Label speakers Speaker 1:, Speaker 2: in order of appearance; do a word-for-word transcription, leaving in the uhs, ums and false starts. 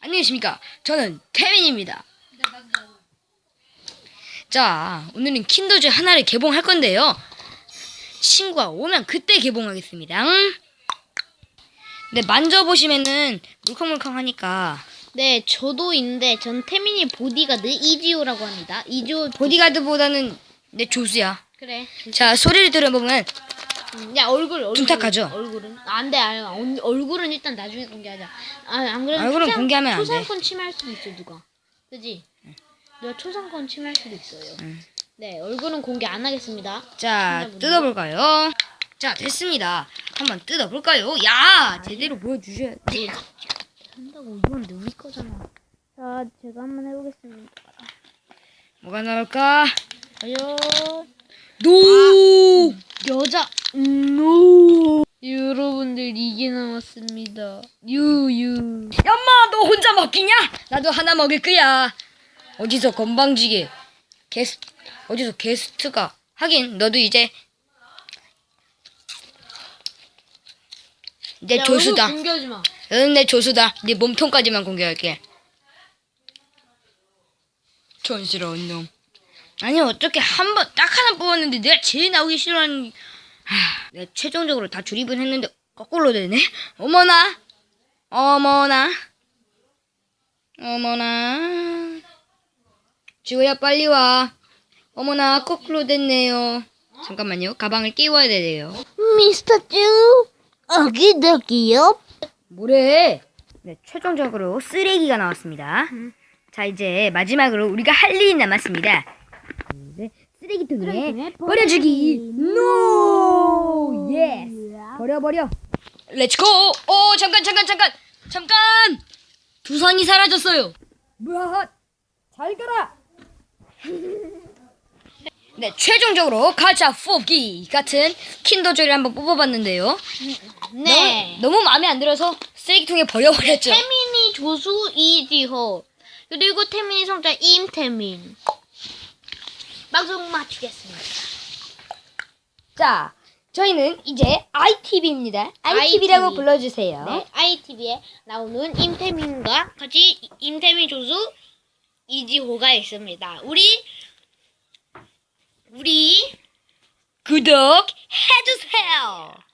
Speaker 1: 안녕하십니까. 저는 태민입니다. 자, 오늘은 킨더조이 하나를 개봉할 건데요. 친구가 오면 그때 개봉하겠습니다. 근데 만져보시면은 물컹물컹하니까.
Speaker 2: 네, 저도 있는데 전 태민이 보디가드 이지호라고 합니다. 이지호
Speaker 1: 보디가드보다는 내 조수야.
Speaker 2: 그래.
Speaker 1: 자, 소리를 들어보면
Speaker 2: 음, 야 얼굴 얼굴
Speaker 1: 둔탁하죠?
Speaker 2: 얼굴은 안돼 안 얼굴은 일단 나중에 공개하자. 아, 안 그러면
Speaker 1: 얼굴은
Speaker 2: 초상,
Speaker 1: 공개하면 안 돼.
Speaker 2: 초상권 침해할 수도 있어 누가. 그지? 누가 초상권 침해할 수도 있어요.
Speaker 1: 응.
Speaker 2: 네, 얼굴은 공개 안 하겠습니다.
Speaker 1: 자,
Speaker 2: 시청자분들.
Speaker 1: 뜯어볼까요? 자, 됐습니다. 한번 뜯어볼까요? 야, 제대로 보여주셔야 돼.
Speaker 2: 한다고 이건 우리 거잖아. 자, 제가 한번 해보겠습니다.
Speaker 1: 뭐가 나올까?
Speaker 2: 과연
Speaker 1: 노!
Speaker 2: 여자 노 여러분들 이게 나왔습니다. 유유
Speaker 1: 엄마, 너 혼자 먹기냐? 나도 하나 먹을 거야. 어디서 건방지게 게스트 어디서 게스트가 하긴 너도 이제 내 조수다.
Speaker 2: 공개하지 마.
Speaker 1: 너는 내 조수다. 네 몸통까지만 공개할게. 촌스러운 놈. 아니 어떻게 한 번 딱 하나 뽑았는데 내가 제일 나오기 싫어하는. 하, 내가 최종적으로 다 조립은 했는데 거꾸로 되네. 어머나, 어머나, 어머나. 지호야 빨리 와. 어머나 거꾸로 됐네요. 잠깐만요. 가방을 끼워야 되네요.
Speaker 2: 미스터 쭈 어기더기요.
Speaker 1: 뭐래? 네, 최종적으로 쓰레기가 나왔습니다.
Speaker 2: 음.
Speaker 1: 자, 이제 마지막으로 우리가 할 일이 남았습니다. 이제 쓰레기통에
Speaker 2: 쓰레기통에
Speaker 1: 버려주기. 노! 예스. 버려 버려. 렛츠고. 오, 잠깐 잠깐 잠깐 잠깐. 두상이 사라졌어요. 뭐야? 잘 가라. 네, 최종적으로 가짜 뽑기 같은 킨더조이를 한번 뽑아봤는데요.
Speaker 2: 네.
Speaker 1: 너무, 너무 마음에 안 들어서 쓰레기통에 버려버렸죠.
Speaker 2: 태민이 조수 이지호 그리고 태민이 성자 임태민. 방송 마치겠습니다.
Speaker 1: 자, 저희는 이제 아이티비입니다. 아이티비라고
Speaker 2: 아이티비.
Speaker 1: 불러주세요.
Speaker 2: 네, 아이티비에 나오는 임태민과 같이 임태민 조수 이지호가 있습니다. 우리 우리
Speaker 1: 구독해주세요.